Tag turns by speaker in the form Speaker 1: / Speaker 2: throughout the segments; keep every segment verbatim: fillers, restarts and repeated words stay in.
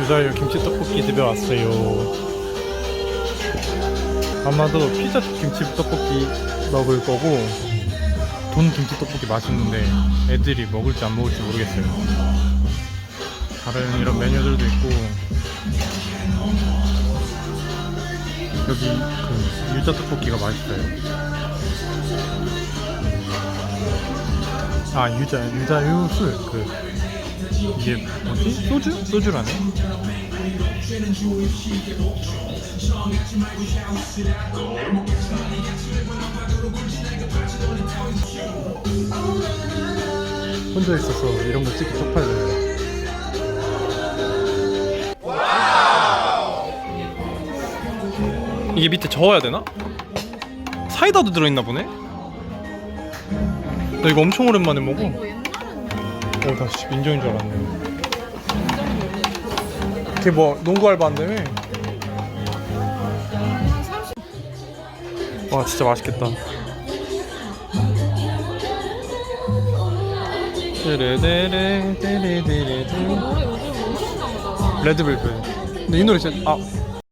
Speaker 1: 유자유 김치 떡볶이 집에 왔어요. 아마도 피자 김치 떡볶이 먹을 거고, 돈 김치 떡볶이 맛있는데 애들이 먹을지 안 먹을지 모르겠어요. 다른 이런 메뉴들도 있고, 여기 그 유자 떡볶이가 맛있어요. 아, 유자, 유자유 술. 그 이게 뭐지? 소주? 소주라네. 혼자 있어서 이런 거 찍기 쪽팔려요. 이게 밑에 저어야 되나? 사이다도 들어있나 보네? 나 이거 엄청 오랜만에 먹어. 어, 나 진짜 민정인 줄 알았네. 걔 뭐 농구 알바한다며? 와, 진짜 맛있겠다. 데레데레 데레데레 레드벨벳. 근데 이 노래 진짜 아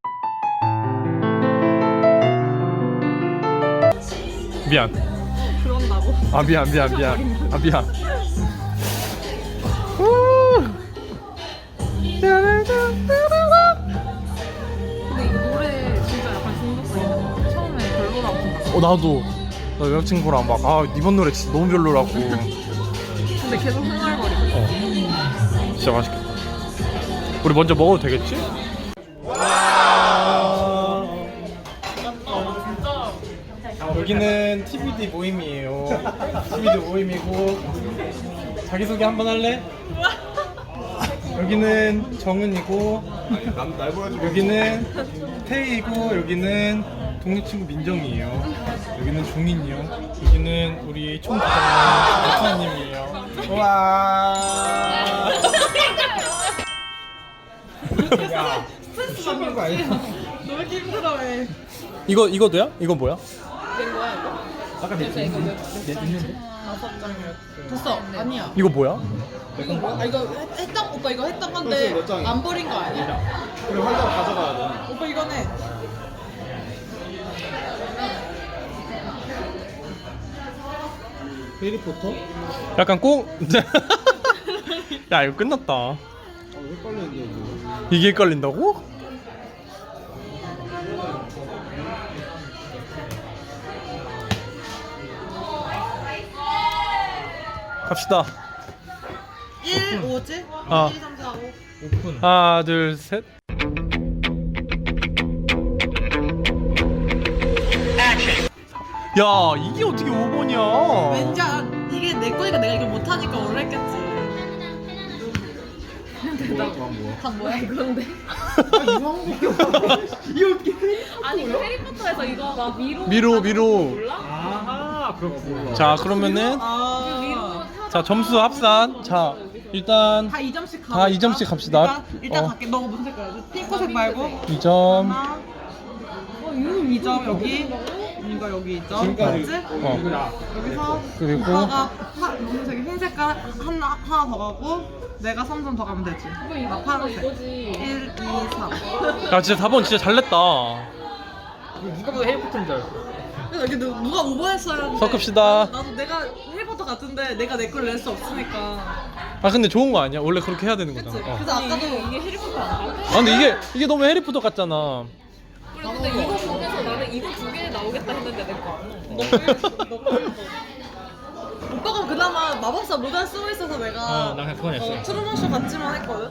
Speaker 1: 미안.
Speaker 2: 그런다고?
Speaker 1: 아 미안 미안 미안. 아 미안.
Speaker 2: 근데 이 노래 진짜 약간 중독성 처음에 별로라고 생각했어.
Speaker 1: 어 나도 나 여자친구랑 막 아 이번 노래 진짜 너무 별로라고.
Speaker 2: 근데 계속 흥얼거리고.
Speaker 1: 어 진짜 맛있겠다. 우리 먼저 먹어도 되겠지? 여기는 티비디 모임이에요. 티비디 모임이고 자기소개 한번 할래? 여기는 정은이고 여기는 태희이고 여기는 독립친구 민정이에요. 여기는 종인이요. 여기는 우리 총부장님 박사님이에요. 와. 야, 미친 거 아니야?
Speaker 2: 너 왜 이렇게 힘들어해?
Speaker 1: 이거 이거도야? 이거 뭐야?
Speaker 2: 된 거야 이거?
Speaker 1: 아까 내
Speaker 2: 이거 이거
Speaker 1: 있는데?
Speaker 2: 다섯 장이었어. 됐어. 아니야.
Speaker 1: 이거 뭐야?
Speaker 2: 이거 뭐야? 아 이거 했- 했던 오빠 이거 했던 건데 안 버린 거 아니야?
Speaker 3: 그럼 한 장 가져가야 돼.
Speaker 2: 오빠 이거네.
Speaker 3: 해리포터?
Speaker 1: 약간 꽁. 야 이거 끝났다.
Speaker 3: 아, 헷갈리는데 이거.
Speaker 1: 이게 헷갈린다고? 갑시다.
Speaker 2: 일, 오지?
Speaker 1: 아.
Speaker 2: 일, 삼, 사, 오.
Speaker 3: 오픈.
Speaker 1: 하나 둘 셋. 야 이게 어떻게 오 번이야?
Speaker 2: 왠지 안- 이게 내 거니까 내가 이걸 못하니까 원래 했겠지.
Speaker 3: 뭐야? 뭐야?
Speaker 2: 다 뭐야 그런데?
Speaker 4: 아니 그 해리포터에서 이거 막 미로
Speaker 1: 미로 미로.
Speaker 4: 몰라?
Speaker 3: 아, 그렇구나.
Speaker 1: 자 그러면은
Speaker 2: 아.
Speaker 1: 자 점수 합산. 자 일단
Speaker 2: 다 이 점씩 가볼까?
Speaker 1: 다 이 점씩 갑시다.
Speaker 2: 일단, 일단
Speaker 1: 어.
Speaker 2: 갈게. 너가 무슨 색깔이야? 핑크색 말고.
Speaker 1: 이 점.
Speaker 2: 하나. 어, 이 점 여기. 이거 여기 이 점.
Speaker 3: 지금까지.
Speaker 2: 맞지?
Speaker 1: 어.
Speaker 2: 여기서
Speaker 1: 그리고
Speaker 2: 오빠가 파, 무슨색이 흰 색깔 하나 하나 더 가고 내가 삼 점 더 가면 되지. 나 파란색.
Speaker 4: 이거지.
Speaker 2: 일, 이, 삼.
Speaker 1: 야 진짜 사 번 진짜 잘 냈다.
Speaker 3: 누가 봐도 해리포터인 줄 알았어.
Speaker 2: 그래서 이게 누- 누가 오버했어야 하는데.
Speaker 1: 섞읍시다.
Speaker 2: 나도, 나도 내가 해리포터 같은데 내가 내 걸 낼 수 없으니까.
Speaker 1: 아 근데 좋은 거 아니야? 원래 그렇게 해야 되는
Speaker 2: 그치?
Speaker 1: 거잖아. 어.
Speaker 2: 그래서 아까도
Speaker 4: 이게 해리포터 아니야?
Speaker 1: 아 근데 이게 이게 너무 해리포터 같잖아.
Speaker 4: 그래 근데 이거 보면서 나는 이거 두 개 나오겠다 했는데 내 거 안 나와.
Speaker 2: 너 빨리 오빠가 그나마 마법사 모자 쓰고 있어서 내가
Speaker 3: 어, 나 그냥 그건 했어.
Speaker 2: 어, 트루먼쇼 같지만 했거든?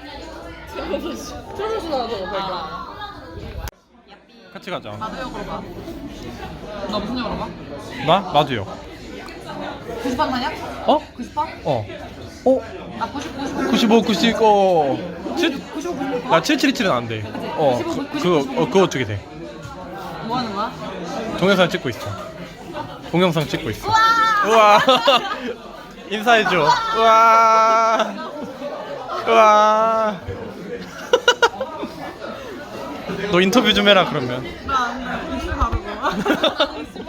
Speaker 2: 트루먼쇼 나도 오빠
Speaker 1: 같이 가자.
Speaker 2: 나도 역으로 가. 너 무슨 역으로 가?
Speaker 1: 나 나도요.
Speaker 2: 구십 판 마냐?
Speaker 1: 어?
Speaker 2: 구십 판?
Speaker 1: 어. 어?
Speaker 2: 나 구십, 구십,
Speaker 1: 구십오, 구십, 어. 칠,
Speaker 2: 구십오, 구십오.
Speaker 1: 나 칠칠이칠은 안 돼. 어. 그, 그거 어 그거 어떻게 돼?
Speaker 2: 뭐 하는 거야?
Speaker 1: 동영상 찍고 있어. 동영상 찍고 있어. 우와. 인사해줘. 우와. 우와. 너 인터뷰 좀 해라 그러면.
Speaker 2: 나 이슈 다르고.